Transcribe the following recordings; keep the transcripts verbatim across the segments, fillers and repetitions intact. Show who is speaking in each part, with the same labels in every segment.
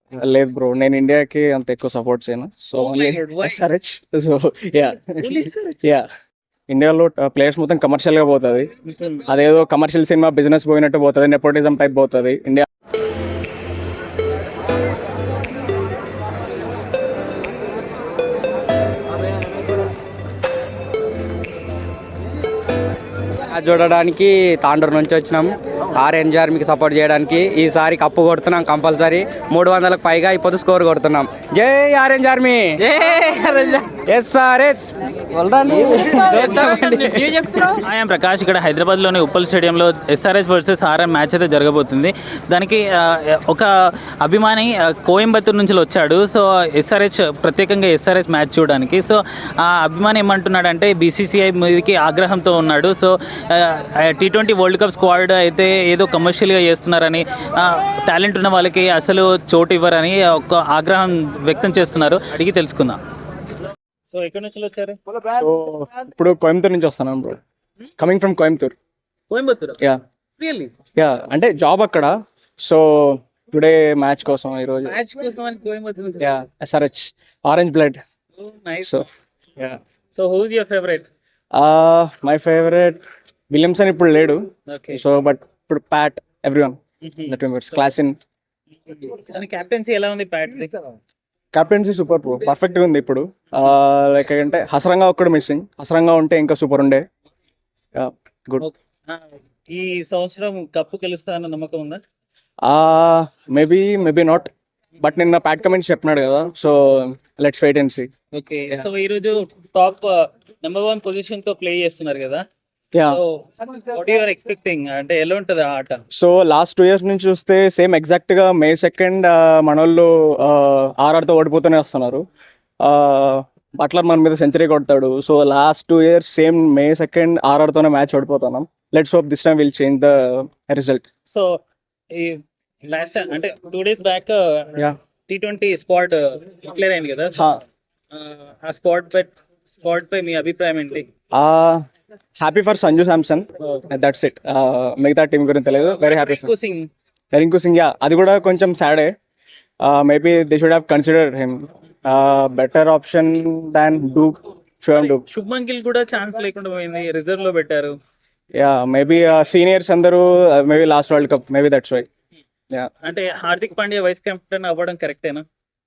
Speaker 1: లేదు బ్రో, నేను ఇండియాకి అంత ఎక్కువ సపోర్ట్ చేయను. So
Speaker 2: Oh my God, why?
Speaker 1: SRH. So yeah
Speaker 2: Only S R H?
Speaker 1: Yeah ఇండియాలో ప్లేయర్స్ మొత్తం కమర్షియల్ గా పోతుంది. అదేదో కమర్షియల్ సినిమా బిజినెస్ పోయినట్టు పోతుంది, నెపోటిజం టైప్ పోతుంది ఇండియా.
Speaker 3: మ్యాచ్ చూడడానికి తాండూరు నుంచి వచ్చినాం. ఆరెంజ్ ఆర్మీకి సపోర్ట్ చేయడానికి. ఈసారి కప్పు కొడుతున్నాం కంపల్సరీ. మూడు వందలకు పైగా ఇప్పుడు స్కోర్ కొడుతున్నాం. జై ఆరెంజ్ ఆర్మీ, జై ఎస్ఆర్హెచ్.
Speaker 2: ఐఎమ్ ప్రకాష్. ఇక్కడ హైదరాబాద్లోని ఉప్పల్ స్టేడియంలో ఎస్ఆర్హెచ్ వర్సెస్ ఆర్ఎం మ్యాచ్ అయితే జరగబోతుంది. దానికి ఆ, ఒక అభిమాని ఆ, కోయంబత్తూరు నుంచి వచ్చాడు. సో ఎస్ఆర్హెచ్ ప్రత్యేకంగా ఎస్ఆర్హెచ్ మ్యాచ్ చూడడానికి. సో ఆ అభిమాని ఏమంటున్నాడంటే బీసీసీఐ మీదకి ఆగ్రహంతో ఉన్నాడు. So T twenty world cup squad అయితే ఏదో కమర్షియల్గా చేస్తున్నారని, టాలెంట్ ఉన్న వాళ్ళకి అసలు చోటు ఇవ్వరని ఒక ఆగ్రహం వ్యక్తం చేస్తున్నారు. అడిగి తెలుసుకుందాం. సో ఎక్కడి నుంచి వచ్చారు?
Speaker 1: సో ఇప్పుడు కోయంబత్తూర్ నుంచి వస్తున్నాను bro, coming from Coimbatore.
Speaker 2: Coimbatore.
Speaker 1: Yeah
Speaker 2: really?
Speaker 1: Yeah అంటే జాబ్ అక్కడ. సో టుడే మ్యాచ్ కోసం ఈరోజు.
Speaker 2: మ్యాచ్ కోసం అని కోయంబత్తూర్ నుంచి.
Speaker 1: Yeah SRH orange blood.
Speaker 2: Nice.
Speaker 1: So yeah
Speaker 2: so who's your favourite?
Speaker 1: My favourite Williamson ఇప్పుడు లేడు.
Speaker 2: ఓకే.
Speaker 1: సో బట్ ఇప్పుడు Pat everyone that members class in.
Speaker 2: దాని కెప్టెన్సీ ఎలా ఉంది ప్యాట్?
Speaker 1: కెప్టెన్సీ సూపర్ బ్రో, పర్ఫెక్ట్గా ఉంది ఇప్పుడు. లైక్ అంటే హసరంగా ఒక్కడు మిస్సింగ్. హసరంగా ఉంటే ఇంకా సూపర్ ఉండే. గుడ్.
Speaker 2: ఈ సంవత్సరం కప్పు గెలుస్తానన్న నమ్మకం ఉందా?
Speaker 1: మేబీ మేబీ నాట్, బట్ నిన్న ప్యాట్ కమెంట్స్ చెప్పినాడు కదా. So let's wait and see.
Speaker 2: Okay. So ఈ రోజు టాప్ నెంబర్ వన్ పొజిషన్ తో ప్లే చేస్తున్నారు కదా.
Speaker 1: Yeah
Speaker 2: so what you are expecting? అంటే ఎలా ఉంటుంది ఆ ఆట?
Speaker 1: సో లాస్ట్ టూ ఇయర్స్ నుంచి చూస్తే సేమ్ ఎగ్జాక్ట్ గా మే సెకండ్ మనోళ్ళు ఆర్ఆర్తో ఓడిపోతూనే వస్తున్నారు. బట్లర్ మన మీద సెంచరీ కొడతాడు. So last two years same May second ఆర్ఆర్తోనే మ్యాచ్ ఓడిపోతున్నాం. Let's hope this time will change the result.
Speaker 2: So ఈ లాస్ట్ అంటే two days back
Speaker 1: yeah
Speaker 2: T twenty spot declare అయింది కదా. So, ఆ స్పాట్ పై స్పాట్ పై మీ అభిప్రాయం ఏంటి?
Speaker 1: Happy for Sanju Samson, that's it. మిగతా టీం గురించి తెలియదు. Very happy.
Speaker 2: Rinku Singh.
Speaker 1: Rinku Singh, yeah అది కూడా కొంచెం sad. Maybe they should have consider him. Better option than డూక్, షుయం డూక్.
Speaker 2: శుభ్మన్ గిల్ కూడా ఛాన్స్ లేకుండా పోయింది, రిజర్వ్ లో పెట్టారు.
Speaker 1: యా మేబీ సీనియర్స్ అందరూ maybe last world cup, maybe that's why. Yeah
Speaker 2: అంటే హార్దిక్ పాండ్యా వైస్ కెప్టెన్ అవ్వడం కరెక్టేనా?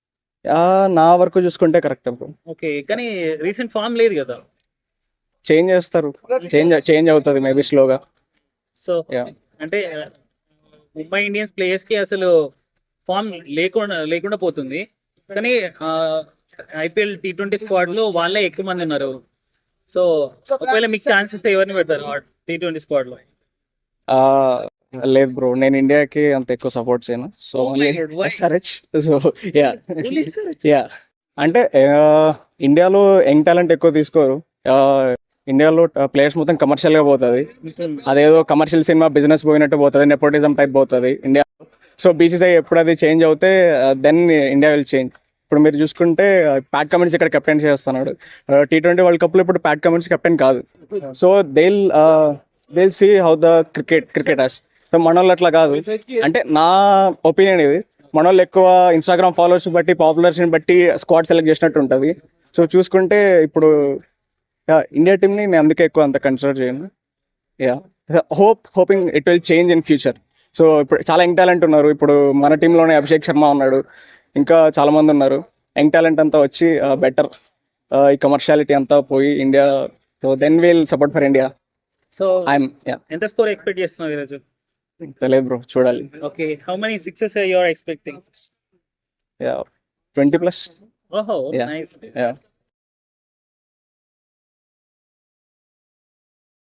Speaker 1: నా వరకు చూసుకుంటే కరెక్ట్.
Speaker 2: ఓకే, కానీ రీసెంట్ ఫామ్ లేదు కదా.
Speaker 1: చేంజ్ చేస్తారు, చేంజ్ చేంజ్ అవుతుంది మేబీ స్లోగా.
Speaker 2: సో
Speaker 1: యా
Speaker 2: అంటే ముంబై ఇండియన్స్ ప్లేయర్స్ కి అసలు ఫామ్ లేకుండా లేకుండా పోతుంది. కానీ ఐపీఎల్ టీ ట్వంటీ స్క్వాడ్ లో వాళ్ళే ఎక్కువ మంది ఉన్నారు. సో ఒకవేళ మీకు ఛాన్స్ ఇస్తే ఎవరిని పెడతారు టీ ట్వంటీ స్క్వాడ్ లో?
Speaker 1: లేదు బ్రో, నేను ఇండియాకి అంత ఎక్కువ సపోర్ట్ చేయను. So
Speaker 2: Oh my God, why?
Speaker 1: SRH. So yeah
Speaker 2: Only S R H?
Speaker 1: Yeah అంటే ఇండియాలో యంగ్ టాలెంట్ ఎక్కువ తీసుకోరు. ఇండియాలో ప్లేయర్స్ మొత్తం కమర్షియల్ గా పోతుంది. అదేదో కమర్షియల్ సినిమా బిజినెస్ పోయినట్టు పోతుంది, నెపోటిజం టైప్ పోతుంది ఇండియా. సో బీసీసీఐ ఎప్పుడు అది చేంజ్ అవుతే దెన్ ఇండియా విల్ చేంజ్. ఇప్పుడు మీరు చూసుకుంటే ప్యాట్ కమిన్స్ ఇక్కడ కెప్టెన్ చేస్తున్నాడు. టీ ట్వంటీ వరల్డ్ కప్ లో ఇప్పుడు ప్యాట్ కమిన్స్ కెప్టెన్ కాదు. So they'll they'll see how the cricket cricketers. So మన వాళ్ళు అట్లా కాదు. అంటే నా ఒపీనియన్ ఇది. మన వాళ్ళు ఎక్కువ ఇన్స్టాగ్రామ్ ఫాలోవర్స్ బట్టి, పాపులర్స్ని బట్టి స్క్వాడ్ సెలెక్ట్ చేసినట్టు ఉంటుంది. సో చూసుకుంటే ఇప్పుడు ఇండియా టీమ్ని నేను అందుకే ఎక్కువ అంత కన్సిడర్ చేయను. Yeah hope hoping it will change in future. So ఇప్పుడు చాలా యంగ్ టాలెంట్ ఉన్నారు. ఇప్పుడు మన టీంలోనే అభిషేక్ శర్మ ఉన్నాడు, ఇంకా చాలా మంది ఉన్నారు. యంగ్ టాలెంట్ అంతా వచ్చి బెటర్ ఈ కమర్షియాలిటీ అంతా పోయి India. So then will support for India.
Speaker 2: So
Speaker 1: I'm yeah
Speaker 2: ఎంత స్కోర్ ఎక్స్పెక్ట్ చేస్తున్నావు ఈరోజు?
Speaker 1: తెలియదు బ్రో, చూడాలి.
Speaker 2: Okay, how many sixes you are expecting?
Speaker 1: Yeah twenty plus.
Speaker 2: ఓహో
Speaker 1: Yeah.
Speaker 2: నైస్.
Speaker 1: యా